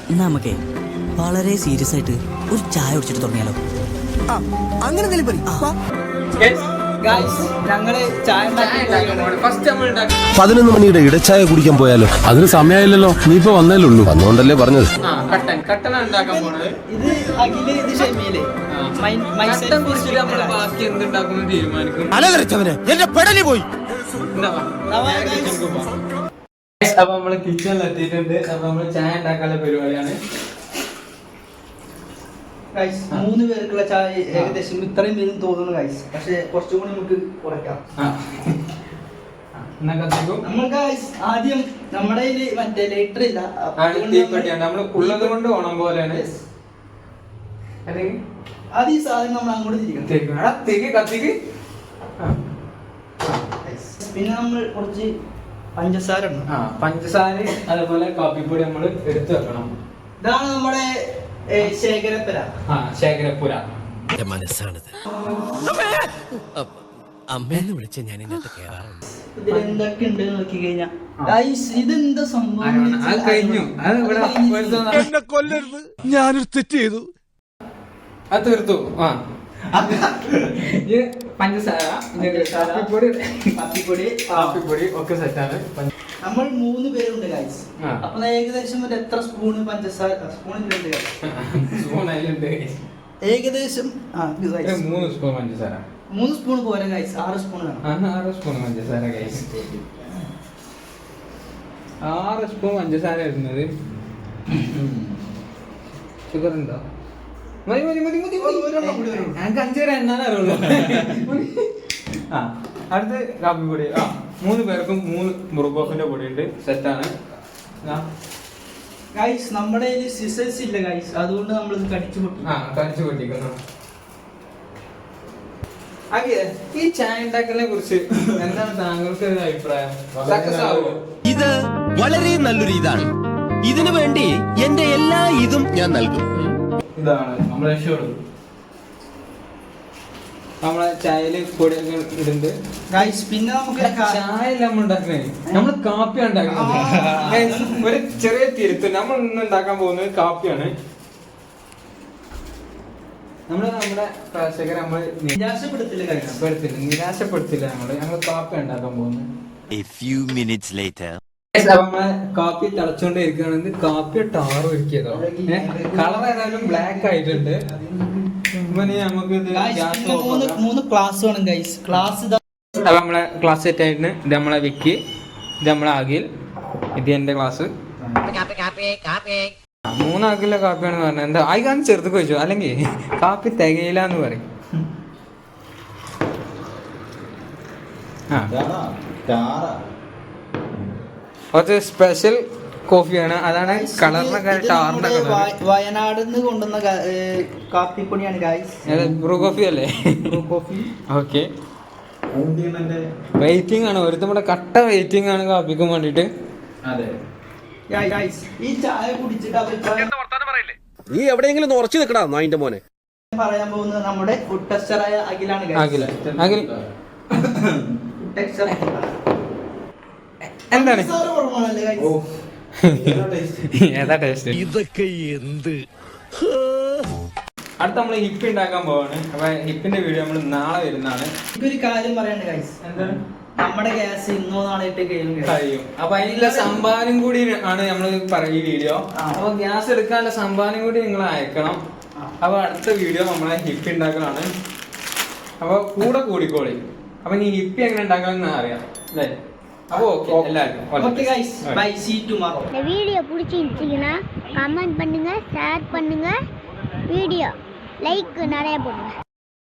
നമുക്കേ വളരെ സീരിയസ് ആയിട്ട് ഒരു ചായ കുടിച്ചിട്ട് തുടങ്ങിയാലോ? അങ്ങനെ ഞങ്ങള് ചായ 11 മണിയുടെ ഇടച്ചായ കുടിക്കാൻ പോയാലോ? അതിന് സമയമായില്ലല്ലോ, നീ ഇപ്പൊ വന്നേലേ ഉള്ളൂ. വന്നോണ്ടല്ലേ പറഞ്ഞത്. കട്ടൻ ഉണ്ടാക്കാൻ പോണത്. ഇത് അഖില്, ഇത് ഷെമീല്. ബാക്കി എന്തുണ്ടാക്കുന്നു തീരുമാനിക്കും. എന്റെ പെടലി പോയി. അപ്പൊ നമ്മള് കിച്ചണിൽ എത്തിയിട്ടുണ്ട്. അപ്പൊ നമ്മള് ചായ ഉണ്ടാക്കാനുള്ള പരിപാടിയാണ്. 3 പേർക്കുള്ള ചായ ഏകദേശം ഇത്രയും പേരും തോന്നുന്നു ഗൈസ്. പക്ഷെ കുറച്ചും കൂടി നമുക്ക് കുറയ്ക്കാം. നമ്മൾ ആദ്യം നമ്മുടെ മറ്റേ ലൈറ്റർ ഇല്ല, നമ്മള് ഉള്ളത് കൊണ്ട് ഓണം പോലെയാണ്. അത് ഈ സാധനം നമ്മൾ അങ്ങോട്ട് തിരിക്കണം. പിന്നെ നമ്മൾ കുറച്ച് പഞ്ചസാര ഉണ്ട്. പഞ്ചസാര അതേപോലെ കാപ്പിപ്പൊടി നമ്മൾ എടുത്തു വെക്കണം. ഇതാണ് നമ്മുടെ ശേഖരപ്പുര. ശേഖരപ്പുര മനസ്സാണത്. അമ്മേന്ന് വിളിച്ച ഞാൻ ഇതിനകത്ത് കേറാറുണ്ട്. ഇതിലെന്തൊക്കെ ഉണ്ട് നോക്കി കഴിഞ്ഞാ ഇതെന്താ സംഭവം? അത് കഴിഞ്ഞു. എന്നെ കൊല്ലരുത്, ഞാനൊരു തെറ്റ് ചെയ്തു. അത് തീർത്തു. പഞ്ചസാര, കാപ്പിപ്പൊടി ഒക്കെ സെറ്റാണ്. നമ്മൾ 3 പേരുണ്ട് ഗൈസ്. അപ്പൊ ഏകദേശം ഒരു എത്ര സ്പൂണ് പഞ്ചസാര? സ്പൂണിലുണ്ട് ഏകദേശം 3 സ്പൂൺ പഞ്ചസാര. 3 സ്പൂൺ പോരാ ഗൈസ്, 6 സ്പൂൺ വേണം. 6 സ്പൂൺ പഞ്ചസാര ഗൈസ്. 6 സ്പൂൺ പഞ്ചസാര ഇടുന്നത്. ഷുഗർ ഉണ്ടോ? മതി. ഞങ്ങൾക്ക് 5 വരെ എണ്ണാൻ അറിയുള്ളൂ. അടുത്ത് കാപ്പിപ്പൊടി. 3 പേർക്കും 3 മുറുകോഫിന്റെ പൊടി ഉണ്ട്. സെറ്റാണ്. ഗൈസ് നമ്മുടെ സിസേഴ്സ് ഇല്ല ഗൈസ്, അതുകൊണ്ട് നമ്മൾ കടിച്ചു പൊട്ടിക്കുന്നു. ഈ ചായ ഉണ്ടാക്കലിനെ കുറിച്ച് എന്താണ് താങ്കൾക്ക് ഒരു അഭിപ്രായം? സക്സസ് ആവുമോ? ഇത് വളരെ നല്ലൊരു ഇതാണ്. ഇതിനു വേണ്ടി എന്റെ എല്ലാ ഇതും ഞാൻ നൽകും. ഇതാണ് നമ്മളെ ഷോട്. നമ്മളെ ചായയില് പൊടിയൊക്കെ ഇടുന്നുണ്ട്. പിന്നെ നമുക്ക് ചായ നമ്മൾ ഉണ്ടാക്കണേ, നമ്മള് കാപ്പിയാണ് ഉണ്ടാക്കുന്നത്. ഒരു ചെറിയ തിരുത്ത്, നമ്മൾ ഇന്ന് ഉണ്ടാക്കാൻ പോകുന്നത് കാപ്പിയാണ്. നമ്മുടെ പ്രേക്ഷകരെ നമ്മൾ നിരാശപ്പെടുത്തില്ല. ഞങ്ങൾ കാപ്പി ഉണ്ടാക്കാൻ പോകുന്നത്. നമ്മളെ കാപ്പി തിളച്ചോണ്ടേ ഇരിക്കുകയാണെങ്കിൽ കാപ്പി ടാറ് ഒരുക്കിയതോ. കളർ ഏതായാലും ബ്ലാക്ക് ആയിട്ടുണ്ട്. നമുക്ക് 3 ക്ലാസ് വേണം ഗൈസ്. നമ്മളെ ക്ലാസ് സെറ്റ് ആയിട്ട് ഇത് നമ്മളെ വിക്കി, ഇത് നമ്മളെ അഖിൽ, ഇത് എന്റെ ക്ലാസ്. 3 ആക്കിലെ കാപ്പിയാണെന്ന് പറഞ്ഞത്. എന്താ ആയിക്കാന്ന് ചെറുതൊക്കെ വെച്ചു, അല്ലെങ്കിൽ കാപ്പി തികയില്ല എന്ന് പറയും. കുറച്ച് സ്പെഷ്യൽ കോഫിയാണ്, അതാണ് കളറിനൊക്കെ ടാറിന്റെ കളർ. വയനാട് നിന്ന് കൊണ്ടുവന്ന കാപ്പിപ്പൊടിയാണ് ഗൈസ്. ബ്രൂ കോഫി അല്ലേ? ഓക്കെ, വെയിറ്റിംഗ് ആണ്. ഒരുത്തും കൂടെ കട്ട വെയിറ്റിംഗ് ആണ് കാപ്പിക്കും വേണ്ടിട്ട്. ഈ ചായ കുടിച്ചിട്ട് നീ എവിടെയെങ്കിലും ഉറച്ചു നിൽക്കടാ നായിന്റെ മോനെ. പറയാൻ പോകുന്നത് നമ്മുടെ ഫുഡ് ടെസ്റ്ററായ അഖിലാണ്. അഖിൽ എന്താണ് ഏതാ ടേസ്റ്റ്? ഇതൊക്കെ എന്ത്? അടുത്ത നമ്മള് ഹിപ്പ് ഉണ്ടാക്കാൻ പോവാണ്. അപ്പൊ ഹിപ്പിന്റെ വീഡിയോ നമ്മൾ നാളെ വരുന്നതാണ്. ഒരു കാര്യം പറയണ്ട ഗൈസ്, എന്താണ് നമ്മുടെ ഗ്യാസ് ഇന്നോ നാളായിട്ട് കഴിയും. അപ്പൊ അതിനുള്ള സംഭാവനം കൂടി ആണ് നമ്മൾ ഈ വീഡിയോ. അപ്പൊ ഗ്യാസ് എടുക്കാനുള്ള സംഭാവനം കൂടി നിങ്ങൾ അയക്കണം. അപ്പൊ അടുത്ത വീഡിയോ നമ്മളെ ഹിപ്പ് ഉണ്ടാക്കലാണ്. അപ്പൊ കൂടിക്കോളി. അപ്പൊ നീ ഹിപ്പി എങ്ങനെ ഉണ്ടാക്കണമെന്ന് അറിയാം അല്ലേ? அப்போ எல்லாருக்கும் okay guys bye see you tomorrow. இந்த வீடியோ பிடிச்சிருந்தீங்கன்னா கமெண்ட் பண்ணுங்க, ஷேர் பண்ணுங்க, வீடியோ லைக் நிறைய போடுங்க.